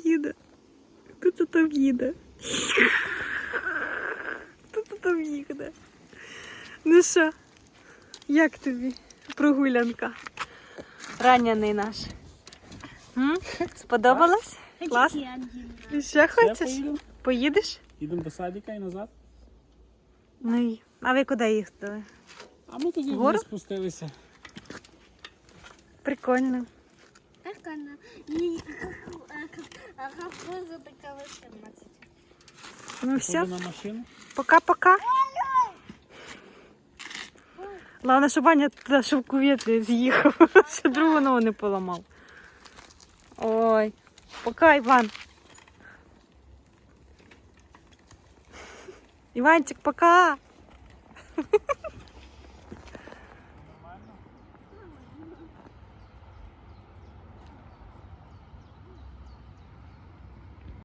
їде. Хто там їде? Хто там їде? Ну що, як тобі прогулянка? Ранений наш. Сподобалось? Клас? І ще хочеш? Поїдеш? Їдемо до садика і назад. Ну і. А ви куди їхали? А ми тоді Вгору? вниз спустилися. Прикольно. Прикольно. И как поза такая 18. Ну все, Ходимо на машину. пока-пока. Головне, щоб Ваня туди шовковіт не з'їхав, ще другу ногу не поламав. Ой, пока, Іван. Іванчик, пока.